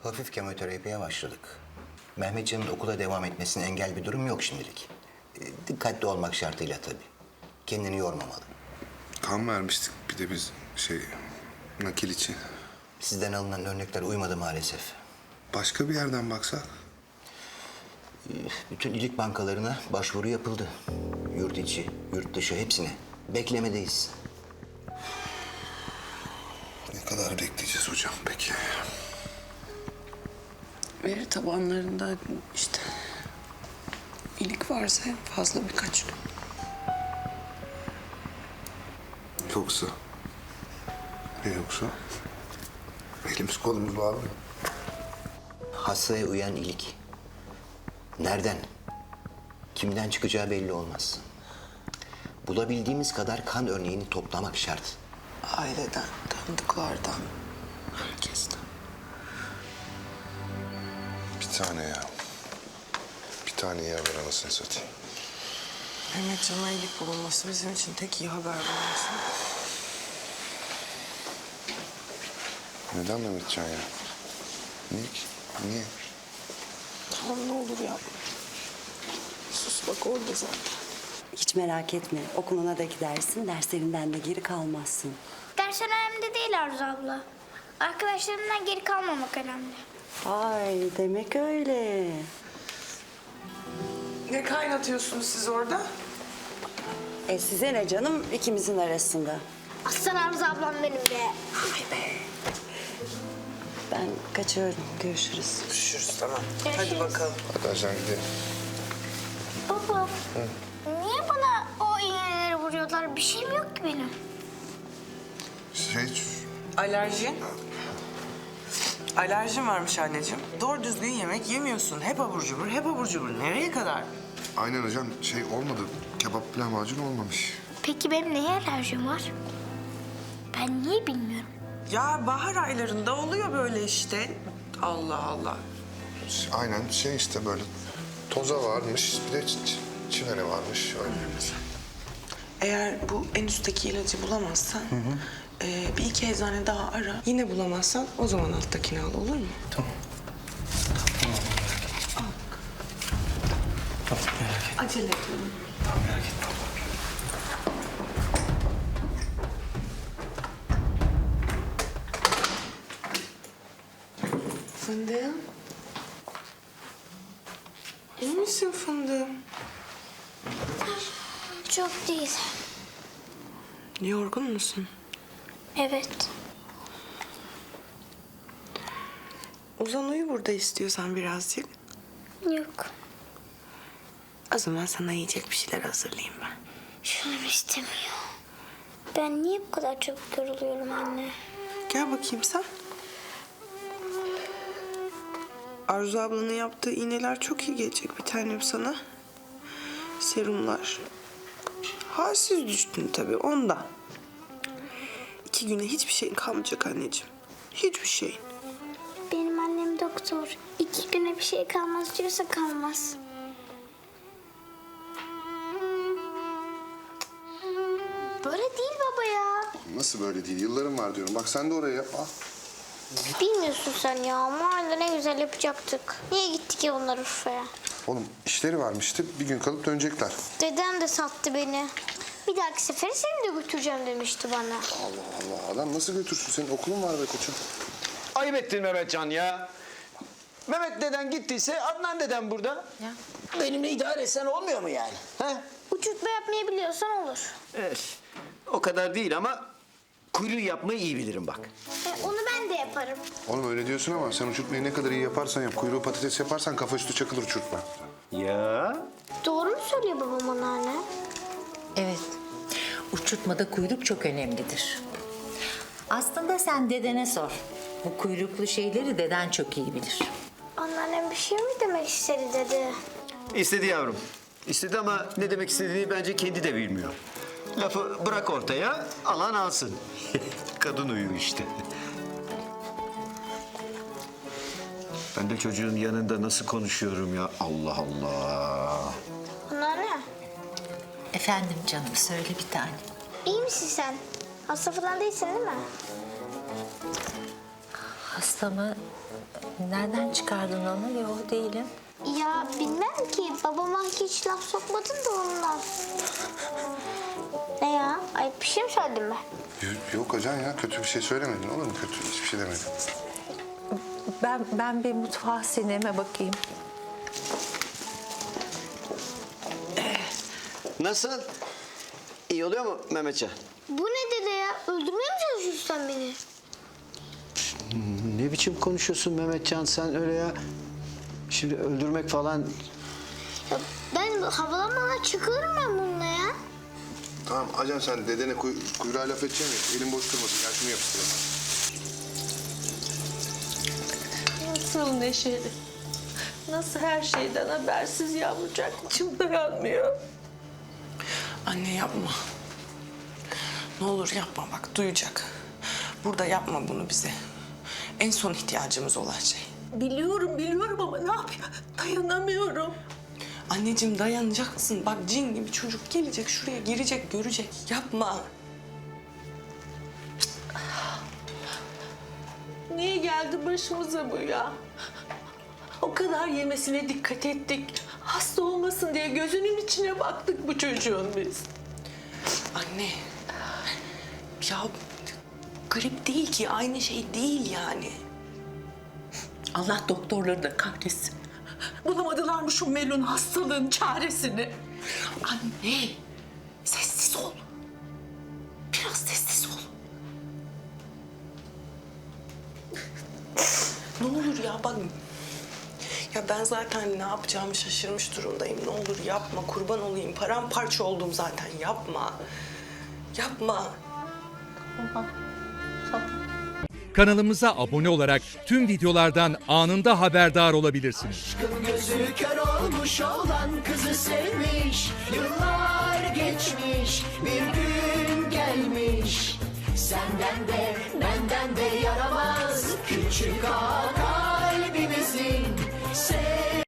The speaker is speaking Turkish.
Hafif kemoterapiye başladık. Mehmetcan'ın okula devam etmesine engel bir durum yok şimdilik. Dikkatli olmak şartıyla tabii. Kendini yormamalı. Kan vermiştik bir de biz nakil için. Sizden alınan örnekler uymadı maalesef. Başka bir yerden baksak? Bütün ilik bankalarına başvuru yapıldı. Yurt içi, yurt dışı hepsine. Beklemedeyiz. Ne kadar bekleyeceğiz hocam peki? Veri tabanlarında işte ilik varsa en fazla birkaç gün. Yoksa? Ne yoksa? Elimiz kolumuz bağlı mı? Hastaya uyan ilik. Nereden, kimden çıkacağı belli olmaz. Bulabildiğimiz kadar kan örneğini toplamak şart. Aileden, tanıdıklardan, herkesten. Bir tane ya. Bir tane yer ver anasını satayım. Mehmetcan'a iyilik bulunması bizim için tek iyi haber bulunması. Neden Mehmetcan ya? Niye ki? Niye? Tamam ne olur yapma. Sus bak orada zaten. Hiç merak etme. Okuluna da gidersin, derslerinden de geri kalmazsın. Ders önemli değil Arzu abla. Arkadaşlarımdan geri kalmamak önemli. Ay demek öyle. Ne kaynatıyorsunuz siz orada? Size ne canım ikimizin arasında. Aslan Arzu ablam benim be. Ay be. Ben kaçıyorum. Görüşürüz. Görüşürüz tamam. Görüşürüz. Hadi bakalım. Hadi ajan gidelim. Baba, niye bana o iğneleri vuruyorlar? Bir şeyim yok ki benim. Alerjin? Alerjin varmış anneciğim. Doğru düzgün yemek yemiyorsun. Hep abur cubur, hep abur cubur. Nereye kadar? Aynen hocam olmadı. Kebap lahmacun olmamış. Peki benim neye alerjim var? Ben niye bilmiyorum. Ya bahar aylarında oluyor böyle işte. Allah Allah. Aynen işte böyle toza varmış bir de çimene varmış öyle. Eğer bu en üstteki ilacı bulamazsan... bir iki eczane daha ara. Yine bulamazsan o zaman alttakini al olur mu? Tamam. Acele et. Tamam, merak etme. Fındığım. İyi misin fındığım? Çok değil. Yorgun musun? Evet. Uzan uyu burada istiyorsan birazcık. Yok. O zaman sana yiyecek bir şeyler hazırlayayım ben. Şunum istemiyor. Ben niye bu kadar çabuk yoruluyorum anne? Gel bakayım sen. Arzu ablanın yaptığı iğneler çok iyi gelecek bir tanem sana. Serumlar. Halsiz düştün tabii ondan. 2 güne hiçbir şeyin kalmayacak anneciğim. Hiçbir şeyin. Benim annem doktor. 2 güne bir şey kalmaz diyorsa kalmaz. Böyle değil baba ya. Nasıl böyle değil? Yıllarım var diyorum. Bak sen de oraya yap. Al. Bilmiyorsun sen ya. Mahallede ne güzel yapacaktık. Niye gittik ya onlar Urfa'ya? Oğlum işleri varmıştı. Bir gün kalıp dönecekler. Dedem de sattı beni. Bir dahaki sefere seni de götüreceğim demişti bana. Allah Allah. Adam nasıl götürsün? Senin okulun var be koçum. Ayıp ettin Mehmetcan ya. Mehmet deden gittiyse Adnan deden burada. Ya. Benimle idare etsen olmuyor mu yani? He? Uçurtma yapmayı biliyorsan olur. Evet. O kadar değil ama kuyruğu yapmayı iyi bilirim bak. Onu ben de yaparım. Oğlum öyle diyorsun ama sen uçurtmayı ne kadar iyi yaparsan yap. Kuyruğu patates yaparsan kafa üstü çakılır uçurtma. Ya. Doğru mu söylüyor babam anneanne? Evet. Uçurtmada kuyruk çok önemlidir. Aslında sen dedene sor. Bu kuyruklu şeyleri deden çok iyi bilir. Anneannem bir şey mi demek istedi dedi. İstedi yavrum. İstedi ama ne demek istediğini bence kendi de bilmiyor. Lafı bırak ortaya, alan alsın. Kadın uyu işte. Ben de çocuğun yanında nasıl konuşuyorum ya? Allah Allah. Anneanne, Efendim canım söyle bir tane. iyi misin sen? Hasta falan değilsin değil mi? Hasta hasta mı? Nereden çıkardın onu? Yok değilim. Ya bilmem ki. Babama hiç laf sokmadın da ondan. Ne ya? Ayıp bir şey mi söyledim ben? Yok ajan ya, kötü bir şey söylemedin olur mu? Kötü hiçbir şey demedin. Ben bir mutfağa sineme bakayım. Nasıl? İyi oluyor mu Mehmetcan? Bu ne dede ya? Öldürmeye mi çalışıyorsun sen beni? Ne biçim konuşuyorsun Mehmetcan sen öyle ya? Şimdi öldürmek falan... Ya ben havalanmadan çıkarım ben bununla ya. Tamam ajan, sen dedene kuyruğa laf edeceksin ya. Elin boş durmasın, gel şunu yapıştıralım. Nasıl neşeli, nasıl her şeyden habersiz yavrucak, içim dayanmıyor. Anne yapma. Ne olur yapma bak duyacak. Burada yapma bunu bize. En son ihtiyacımız olan şey. Biliyorum ama ne yapayım, dayanamıyorum. Anneciğim dayanacaksın. Bak cin gibi çocuk gelecek şuraya girecek görecek. Yapma. Niye geldi başımıza bu ya? O kadar yemesine dikkat ettik. Hasta olmasın diye gözünün içine baktık bu çocuğun biz. Anne. Ya grip değil ki aynı şey değil yani. Allah doktorları da kahretsin. Bulamadılar mı şu Melun hastalığın çaresini? Anne. Sessiz ol. Biraz sessiz ol. Ne olur ya bak. Ya ben zaten ne yapacağımı şaşırmış durumdayım. Ne olur yapma kurban olayım. Paramparça oldum zaten yapma. Yapma. Kanalımıza abone olarak tüm videolardan anında haberdar olabilirsiniz. Gözü kör olmuş olan kızı sevmiş. Yıllar geçmiş, bir gün gelmiş. Senden de benden de yaramaz küçük ağa kalbimizin.